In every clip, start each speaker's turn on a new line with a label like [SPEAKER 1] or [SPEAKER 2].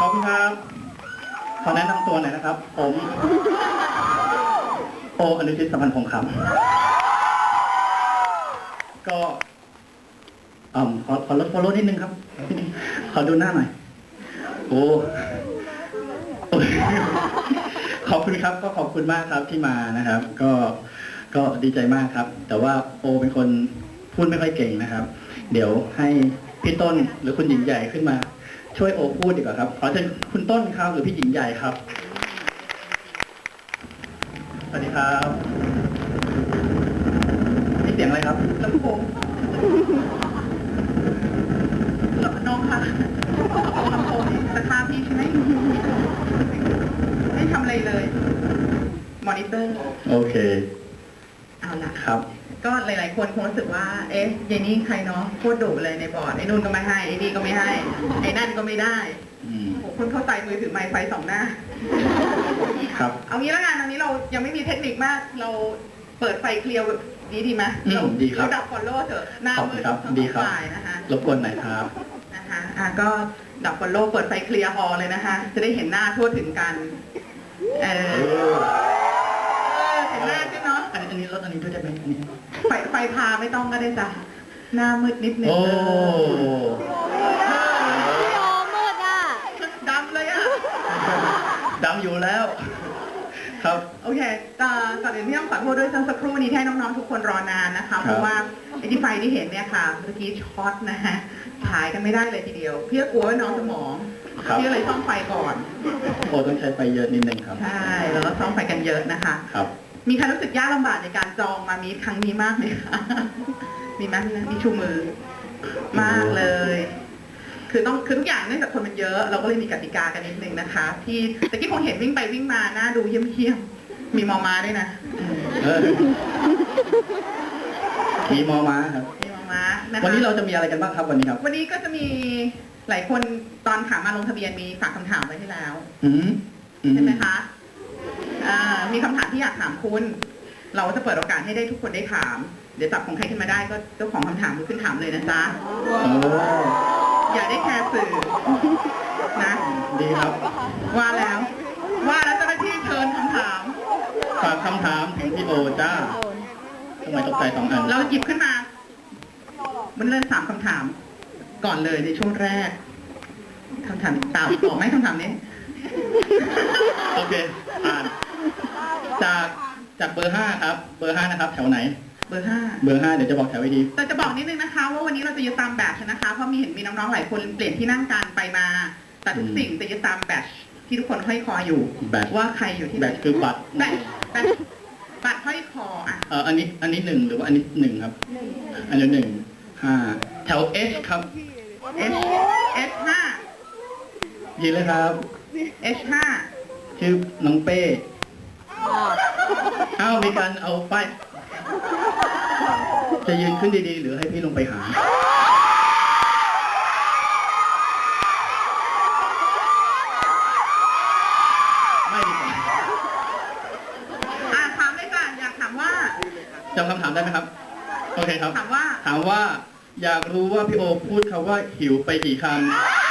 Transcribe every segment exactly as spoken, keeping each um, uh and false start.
[SPEAKER 1] อบคุณครับขอแนะนำตัวหน่อยนะครับผมโออนุชิตสัมพันธ์พงษ์คำก็อ่าขอขอลดฟอลโล่นิดนึงครับขอดูหน้าหน่อยโอ้ขอบคุณครับก็ขอบคุณมากครับที่มานะครับ ก็ก็ดีใจมากครับแต่ว่าโอเป็นคนพูดไม่ค่อยเก่งนะครับเดี๋ยวให้พี่ต้นหรือคุณหญิงใหญ่ขึ้นมาช่วยโอพูดดีกว่าครับขอเชิญคุณต้นครับหรือพี่หญิงใหญ่ครับสวัสดีครับนี่เสียงอะไรครับลำโพงน้องค่ะลำโพงตะคาพี่ใช่ไหมไม่ทำอะไรเลยมอนิเตอร์โอเคเอาล่ะครับก็หลายๆคนคงรู้สึกว่าเอ๊ะยายนี่ใครเนาะโคตรดุเลยในบอร์ดไอ้นู่นก็ไม่ให้ไอ้นี่ก็ไม่ให้ไอ้นั่นก็ไม่ได้โอ้คุณเข้าใจมือถือไมค์ไฟสองหน้าครับเอางี้แล้วกันตอนนี้เรายังไม่มีเทคนิคมากเราเปิดไฟเคลียร์ดีดีไหมเราดีครับเราดับฟอลโล่เถอะหน้ามืดทั้งสองฝ่ายนะคะรบกวนหน่อยครับนะคะอ่ะก็ดับฟอลโล่เปิดไฟเคลียร์ฮอลเลยนะคะจะได้เห็นหน้าทั่วถึงกันเออเห็นหน้าใช่เนาะอันนี้รถอันนี้ด้วยได้ไหมอันนี้ไฟไฟพาไม่ต้องก็ได้จ้ะหน้ามืดนิดนึงโอ้
[SPEAKER 2] พี่โอมืดอ่ะ
[SPEAKER 1] ดำเลยอ่ะดำอยู่แล้วครับโอเคก่อนอื่นที่ต้องขอโทษด้วยสักครู่นี้ให้น้องๆทุกคนรอนานนะคะเพราะว่าไอ้ที่ไฟที่เห็นเนี่ยค่ะเมื่อกี้ช็อตนะฮะถ่ายกันไม่ได้เลยทีเดียวเพื่อกลัวว่าน้องสมองพี่เลยซ่อมไฟก่อนโอ้ต้องใช้ไฟเยอะนิดนึงครับใช่แล้วก็ซ่อมไฟกันเยอะนะคะครับมีใครรู้สึกยากลำบากในการจองมามีครั้งนี้มากไหมคะมีไหมมีชูมือมากเลยคือต้องคือทุกอย่างเนื่องจากคนมันเยอะเราก็เลยมีกติกากันนิดนึงนะคะที่ตะกี้คงเห็นวิ่งไปวิ่งมาหน้าดูเยี่ยมๆมีมอม้าด้วยนะมีมอม้าครับมีมอม้านะคะวันนี้เราจะมีอะไรกันบ้างครับวันนี้ครับวันนี้ก็จะมีหลายคนตอนถามมาลงทะเบียนมีฝากคำถามไว้ที่แล้วใช่ไหมคะมีคำถามที่อยากถามคุณเราจะเปิดโอกาสให้ได้ทุกคนได้ถามเดี๋ยวจับของใครขึ้นมาได้ก็เจ้าของคำถามขึ้นถามเลยนะจ๊ะอย่าได้แคร์สื่อนะดีครับว่าแล้วว่าแล้วเจ้าหน้าที่เชิญคำถามฝากคำถามถึงพี่โอจ้าทำไมตกใจสองอันเราหยิบขึ้นมามันเริ่มสามคำถามก่อนเลยในช่วงแรกคำถามตามต่อไหมคำถามนี้โอเคอ่านจากจากเบอร์ห้าครับเบอร์ห้านะครับแถวไหนเบอร์ห้าเบอร์ห้าเดี๋ยวจะบอกแถวไว้ดีแต่จะบอกนิดนึงนะคะว่าวันนี้เราจะยึดตามแบตนะคะเพราะมีเห็นมีน้องๆหลายคนเปลี่ยนที่นั่งกันไปมาแต่ทุกสิ่งจะยึดตามแบตที่ทุกคนห้อยคออยู่แบตว่าใครอยู่ที่แบตคือบัตรแบตแบตบัตรห้อยคออ่ะเอออันนี้อันนี้หนึ่งหรือว่าอันนี้หนึ่งครับอันนี้หนึ่งห้าแถว H ครับ H H ห้ายินเลยครับ H ห้าชื่อน้องเป้อ้าวมีการเอาไปจะยืนขึ้นดีๆหรือให้พี่ลงไปหาไม่ดีกว่าอ่าถามเลยค่ะอยากถามว่าจำคำถามได้ไหมครับโอเคครับถามว่าถามว่าอยากรู้ว่าพี่โอพูดคำว่าหิวไปกี่คำ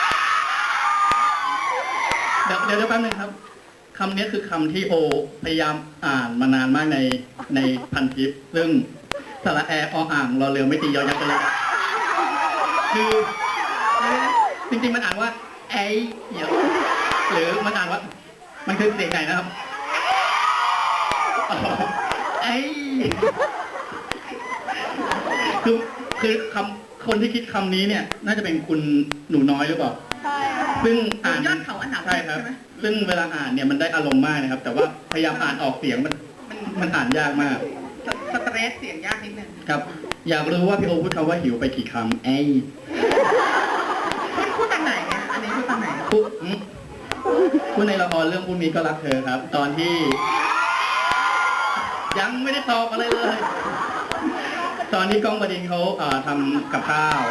[SPEAKER 1] เดี๋ยวเดี๋ยวแป๊บนึงครับคำนี้คือคำที่โอพยายามอ่านมานานมากในในพันทิปซึ่งสระแอออ่างรอเรือไม่ตียอยักษ์กันเลยคือจริงๆมันอ่านว่าไอ้เหี่ยวหรือมันอ่านว่ามันคือเสียงไหนนะครับไอ้คือคือคำคนที่คิดคำนี้เนี่ยน่าจะเป็นคุณหนูน้อยหรือเปล่าใช่ซึ่งอ่านยอดเขาอันหนาใช่ครับซึ่งเวลาอ่านเนี่ยมันได้อารมณ์มากนะครับแต่ว่าพยายามอ่านออกเสียงมันมันอ่านยากมากสเตรสเสียงยากนิดนึงครับอยากรู้ว่าพี่โอพูดคำว่าหิวไปกี่คำไอ้พูดตอนไหนเนี่ยอันนี้พูดตอนไหนพูดพูดในละครเรื่องพูดมีก็รักเธอครับตอนที่ยังไม่ได้ตอบอะไรเลยตอนที่ก้องบดินทร์เขาทำกับข้าว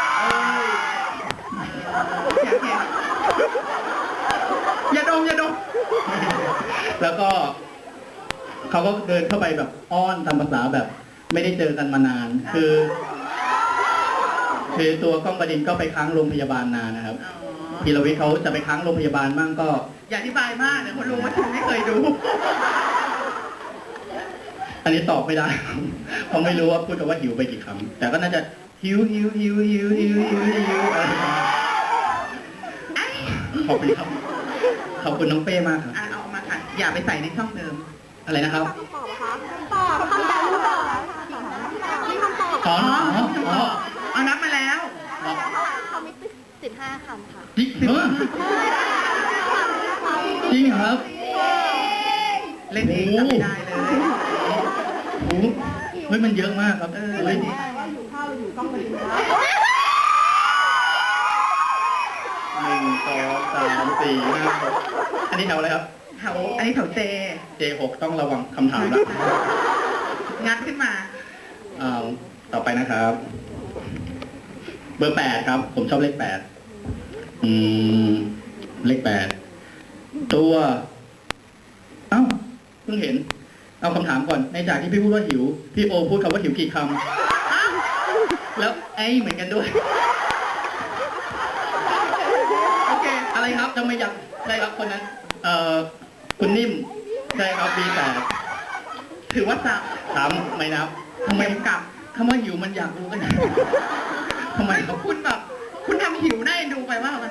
[SPEAKER 1] อย่าดมอย่าดมแล้วก็เขาก็เดินเข้าไปแบบอ้อนตามภาษาแบบไม่ได้เจอกันมานานคือคือตัวก้องบดินทร์ก็ไปค้างโรงพยาบาลนานนะครับ
[SPEAKER 3] พีรวิทย์เขาจะไปค้างโรงพยาบาลบ้างก็
[SPEAKER 1] อย่าอธิบายมากเดี๋ยวคนรู้ว่าฉันไม่เคยดู
[SPEAKER 3] อันนี้ตอบไม่ได้ เพราะไม่รู้ว่าพูดคำว่าหิวไปกี่คำแต่ก็น่าจะหิวหิวหิวหิวหิวหิวหิวอะไรอย่างเงี้ยขอบคุณครับขอบคุณน้องเป้มากครับ
[SPEAKER 1] อ่ะเอามาค่ะอย่าไปใส่ในช่องเดิม
[SPEAKER 3] อะไรนะครับ
[SPEAKER 2] ตอบคำตอบคำตอบนี่คำตอบ
[SPEAKER 3] อ๋ออ๋ออ๋อ
[SPEAKER 1] เอานับมาแล้ว
[SPEAKER 2] เขามีสิบห้าคำค่ะ
[SPEAKER 3] จริงเหรอจริงครับ
[SPEAKER 1] เล่นเองจำไม่ได้เลย
[SPEAKER 3] โอ้โหเฮ้ยมันเยอะมากครับ
[SPEAKER 1] เออ
[SPEAKER 3] เฮ้ยหนึ่งสองสามสี่ห้าหกอันนี้แถวอะไรครับ
[SPEAKER 1] แถวอันนี้แถวเจ
[SPEAKER 3] เจหกต้องระวังคำถามละ
[SPEAKER 1] งัดขึ้นมา
[SPEAKER 3] อ่าต่อไปนะครับ เบอร์แปดครับ ผมชอบเลขแปดอืม เลขแปดตัว เอ้าเพิ่งเห็น เอาคำถามก่อน ในจากที่พี่พูดว่าหิว พี่โอพูดคำว่าหิวกี่คำแล้วไอ้เหมือนกันด้วย โอเค อะไรครับจะไม่อยากใช่ครับคนนั้น เอ่อ คุณนิ่ม ใช่ครับปีแปด
[SPEAKER 1] ถือว่าสับ
[SPEAKER 3] ถามไม่นับทำไมกลับคำว่าหิวมันอยากรู้กันนะทำไม
[SPEAKER 1] ไม่
[SPEAKER 3] ค
[SPEAKER 1] ก็
[SPEAKER 3] รับ
[SPEAKER 1] คุณแบบ คุณทำหิวน่าเอ็นดูไปว่าอะไร